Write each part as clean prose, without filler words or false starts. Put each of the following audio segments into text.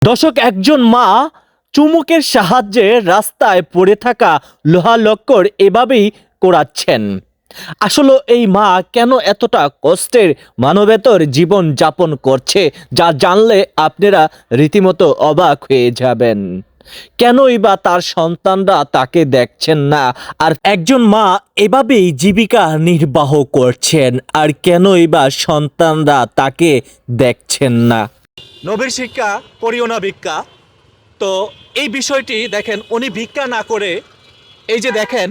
দর্শক, একজন মা চুমুকের সাহায্যে রাস্তায় পড়ে থাকা লোহা লক্কর এভাবেই কোড়াচ্ছেন। আসলে এই মা কেন এতটা কষ্টের মানবেতর জীবন যাপন করছে, যা জানলে আপনারা রীতিমতো অবাক হয়ে যাবেন। কেনই বা তার সন্তানরা তাকে দেখছেন না, আর একজন মা এভাবেই জীবিকা নির্বাহ করছেন, আর কেনই বা সন্তানরা তাকে দেখছেন না। নবীর শিক্ষা করিও না ভিক্ষা। তো এই বিষয়টি দেখেন, উনি ভিক্ষা না করে এই যে দেখেন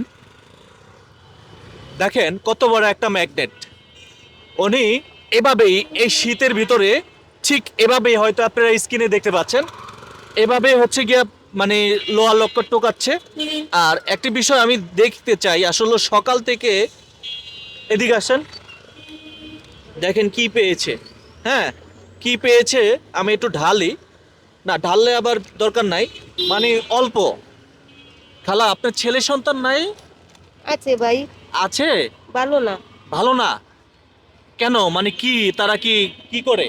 দেখেন কত বড় একটা ম্যাগনেট। উনি এভাবেই এই শীতের ভিতরে ঠিক এভাবেই, হয়তো আপনারা স্ক্রিনে দেখতে পাচ্ছেন, এভাবে হচ্ছে গিয়া মানে লোহা লক্কর টোকাচ্ছে। আর একটি বিষয় আমি দেখতে চাই, আসলে সকাল থেকে এদিকে আসেন, দেখেন কি পেয়েছে। হ্যাঁ, কি পেয়েছে আমি একটু ঢালি। না ঢাললে আবার দরকার নাই, মানে অল্প। খালা, আপনার ছেলে সন্তান নাই? আছে ভাই, আছে? ভালো না। ভালো না কেন? মানে কি, তারা কি কি করে?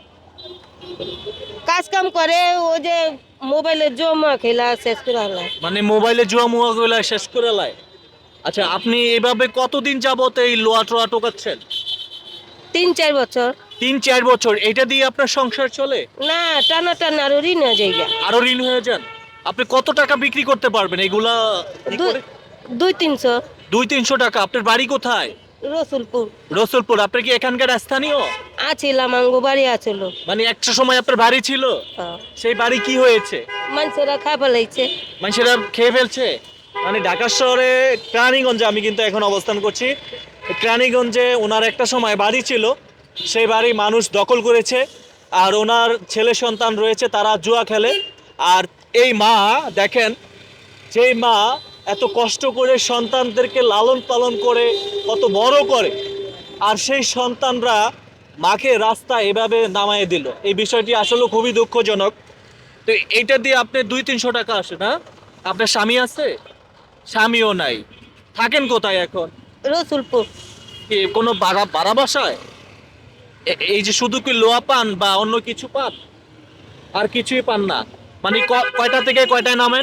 কাজ কাম করে, ওই যে মোবাইলে জমা খেলা শেষ করে হলো। মানে মোবাইলে জুয়া মুয়া গুলা শেষ করে লাই। আচ্ছা, আপনি এভাবে কতদিন যাবত এই লোয়া টোয়া টোকাচ্ছেন? 3-4 বছর। 3-4 বছর এটা দিয়ে আপনার সংসার চলে? না, টানা টানা আরো ঋণ হয়ে যায় গা। আরো ঋণ হয়ে যান। আপনি কত টাকা বিক্রি করতে পারবেন এগুলা কি করে? 200-300। 200-300 টাকা। আপনার বাড়ি কোথায়? রসুলপুর। রসুলপুর। আপনি কি এখানকার স্থানীয়? আছিলাম, আঙ্গু বাড়ি আছিল। মানে একটা সময় আপনার বাড়ি ছিল, সেই বাড়ি কি হয়েছে? মানুষেরা খাই ফেলাইছে। মানুষেরা খেয়ে ফেলছে। মানে ঢাকা শহরে কেরানীগঞ্জে আমি কিন্তু এখন অবস্থান করছি। কেরানীগঞ্জে ওনার একটা সময় বাড়ি ছিল, সেই বাড়ি মানুষ দখল করেছে, আর ওনার ছেলে সন্তান রয়েছে, তারা জুয়া খেলে। আর এই মা দেখেন, যেই মা এত কষ্ট করে সন্তানদেরকে লালন পালন করে কত বড় করে, আর সেই সন্তানরা মাকে রাস্তায় এভাবে নামায় দিল, এই বিষয়টি আসলে খুবই দুঃখজনক। তো এইটা দিয়ে আপনি 200-300 টাকা আসে না? আপনার স্বামী আছে? স্বামীও নাই। থাকেন কোথায় এখন? রসুলপুর। কি কোনো ভাড়া ভাড়া বাসায়? এই যে শুধু কি লোহা পান বা অন্য কিছু পান? আর কিছুই পান না? মানে কয়টা থেকে কয়টায় নামেন?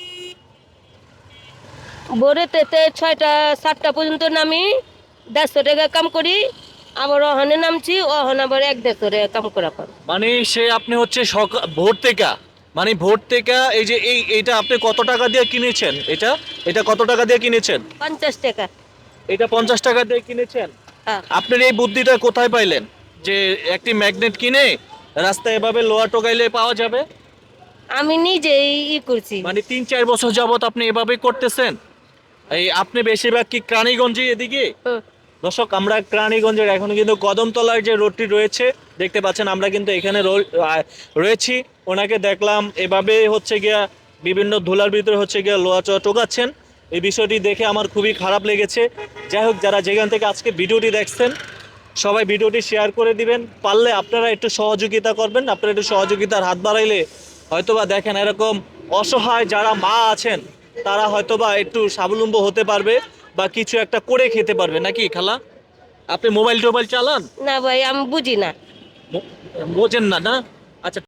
ভোরেতে 6টা-7টা পর্যন্ত নামি, 150 টাকা কাম করি। আবার অহনে নামছি, অহন আবার 150 টাকা কাম করা পার। মানে সে আপনি হচ্ছে ভোর থেকে, মানে ভোর থেকে এই যে এইটা আপনি কত টাকা দিয়ে কিনেছেন? এটা এটা কত টাকা দিয়ে কিনেছেন? 50 টাকা। এটা 50 টাকা দিয়ে কিনেছেন? হ্যাঁ। আপনার এই বুদ্ধিটা কোথায় পাইলেন যে একটি ম্যাগনেট কিনে রাস্তায় এভাবে লোহা টোকাইলে পাওয়া যাবে? আমি নিজেই করছি। মানে 3-4 বছর যাবত আপনি এভাবে করতেছেন? এই আপনি বেশিরভাগ কি কেরানীগঞ্জে এদিকে? হুম। দর্শক, আমরা কেরানীগঞ্জের এখন কিন্তু কদমতলার যে রোডটি রয়েছে দেখতে পাচ্ছেন, আমরা কিন্তু এখানে রয়েছি। ওনাকে দেখলাম এভাবে হচ্ছে গিয়া বিভিন্ন ধুলার ভিতরে হচ্ছে গিয়া লোহা টোকাচ্ছেন। এই বিষয়টি দেখে আমার খুবই খারাপ লেগেছে। যাই হোক, যারা যেখান থেকে আজকে ভিডিওটি দেখছেন, সবাই ভিডিওটি শেয়ার করে দিবেন। পারলে আপনারা একটু সহযোগিতা করবেন। আপনারা একটু সহযোগিতার হাত বাড়াইলে হয়তোবা দেখেন এরকম অসহায় যারা মা আছেন, তারা হয়তোবা একটু স্বাবলম্বী হতে পারবে বা কিছু একটা করে খেতে পারবে। নাকি খালা? আপনি মোবাইল টোবাইল চালান? না ভাই, আমি বুঝি না। বোঝেন না? না